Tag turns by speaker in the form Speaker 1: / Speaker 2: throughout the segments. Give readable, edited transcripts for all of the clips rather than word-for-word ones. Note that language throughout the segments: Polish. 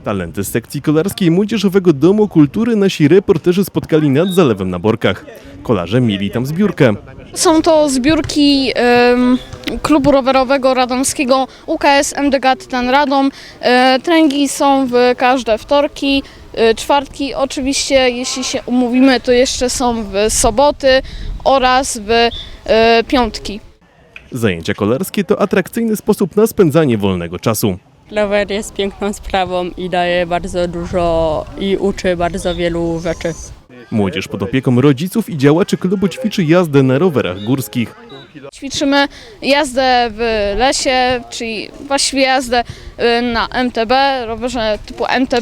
Speaker 1: Talenty z sekcji kolarskiej Młodzieżowego Domu Kultury nasi reporterzy spotkali nad Zalewem na Borkach. Kolarze mieli tam zbiórkę.
Speaker 2: Są to zbiórki klubu rowerowego radomskiego UKS MDK Tytan Radom. Treningi są w każde wtorki, czwartki. Oczywiście, jeśli się umówimy, to jeszcze są w soboty oraz w piątki.
Speaker 1: Zajęcia kolarskie to atrakcyjny sposób na spędzanie wolnego czasu.
Speaker 3: Rower jest piękną sprawą i daje bardzo dużo i uczy bardzo wielu rzeczy.
Speaker 1: Młodzież pod opieką rodziców i działaczy klubu ćwiczy jazdę na rowerach górskich.
Speaker 2: Ćwiczymy jazdę w lesie, czyli właściwie jazdę na MTB, rowerze typu MTB.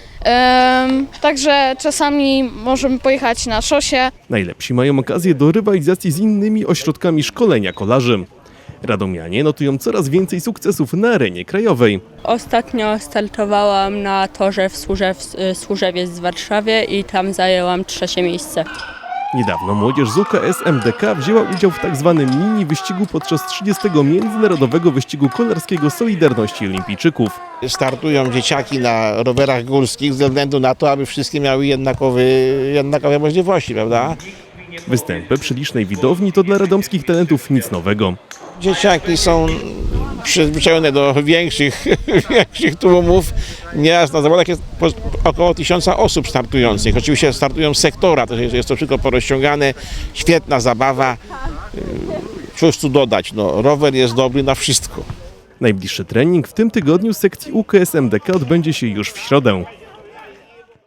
Speaker 2: Także czasami możemy pojechać na szosie.
Speaker 1: Najlepsi mają okazję do rywalizacji z innymi ośrodkami szkolenia kolarzy. Radomianie notują coraz więcej sukcesów na arenie krajowej.
Speaker 3: Ostatnio startowałam na torze w Służewiec w Warszawie i tam zajęłam 3. miejsce.
Speaker 1: Niedawno młodzież z UKS MDK wzięła udział w tzw. mini wyścigu podczas 30. Międzynarodowego Wyścigu Kolarskiego Solidarności Olimpijczyków.
Speaker 4: Startują dzieciaki na rowerach górskich ze względu na to, aby wszystkie miały jednakowe możliwości, prawda?
Speaker 1: Występy przy licznej widowni to dla radomskich talentów nic nowego.
Speaker 4: Dzieciaki są przyzwyczajone do większych tłumów. Nieraz na zawodach jest około 1000 osób startujących. Oczywiście startują z sektora, to jest to wszystko porozciągane. Świetna zabawa. Cóż tu dodać, no, rower jest dobry na wszystko.
Speaker 1: Najbliższy trening w tym tygodniu z sekcji UKS MDK odbędzie się już w środę.